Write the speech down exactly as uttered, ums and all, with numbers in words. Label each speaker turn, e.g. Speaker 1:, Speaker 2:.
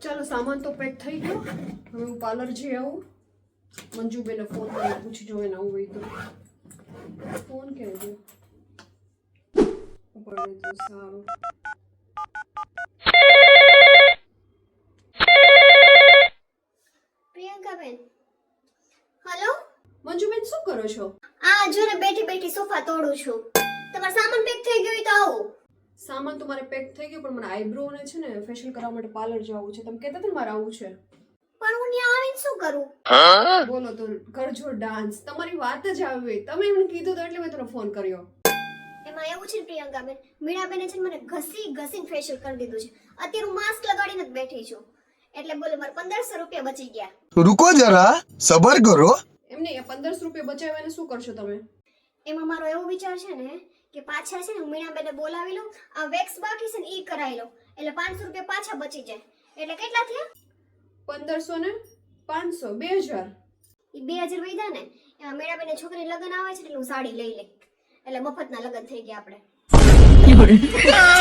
Speaker 1: ચાલો સામાન તો પેક થઈ ગયો. હવે હું પાર્લર જઈ આવું. મંજુબેને ફોન કરીને પૂછી જો એને આવું હોય તો. ફોન ક્યાં ગયો? પડે તો સારું.
Speaker 2: પ્રિયંકાબેન, હેલો.
Speaker 1: મંજુબેન શું કરો છો?
Speaker 2: આ જો ને બેઠી બેઠી સોફા તોડું છું. તમારો સામાન પેક થઈ ગયો હોય તો આવો.
Speaker 1: સામાન તો મારે પેક થઈ ગયો, પણ મને આઈબ્રો ને છે ને ફેશિયલ કરવા માટે પાર્લર જવું છે. તમે કહેતા હતા ને મારે આવું છે.
Speaker 2: પણ હું ત્યાં આવીને શું કરું?
Speaker 1: બોલો તો કરજો ડાન્સ. તમારી વાત જ આવી હોય. તમે એમને કીધું તો એટલે મેં તમને ફોન કર્યો.
Speaker 2: એમાં એવું છે ને પ્રિયંકાબેન, મીણાબેને છે ને મને ઘસી ઘસીને ફેશિયલ કરી દીધું છે. અત્યારે હું માસ્ક લગાડીને જ બેઠી છું. એટલે બોલો મારે પંદરસો રૂપિયા બચી ગયા.
Speaker 3: रुको जरा सबर करो.
Speaker 1: એમને એ પંદરસો રૂપિયા બચાવ્યાને શું કરશો તમે?
Speaker 2: એમાં મારો એવો વિચાર છે ને કે પાછા છે ને હું મીણાબેને બોલાવી લઉં, આ વેક્સ બાકી છે ને ઈ કરાવી લઉં, એટલે પાંચસો રૂપિયા પાછા બચી જાય. એટલે કેટલા થયા?
Speaker 1: પંદરસો ને પાંચસો બે હજાર.
Speaker 2: ઈ બે હજાર વધ્યા ને. એમાં મીણાબેને છોકરી લગ્ન આવે છે એટલે હું સાડી લઈ લે, એટલે મફતના લગ્ન થઈ ગયા આપણે.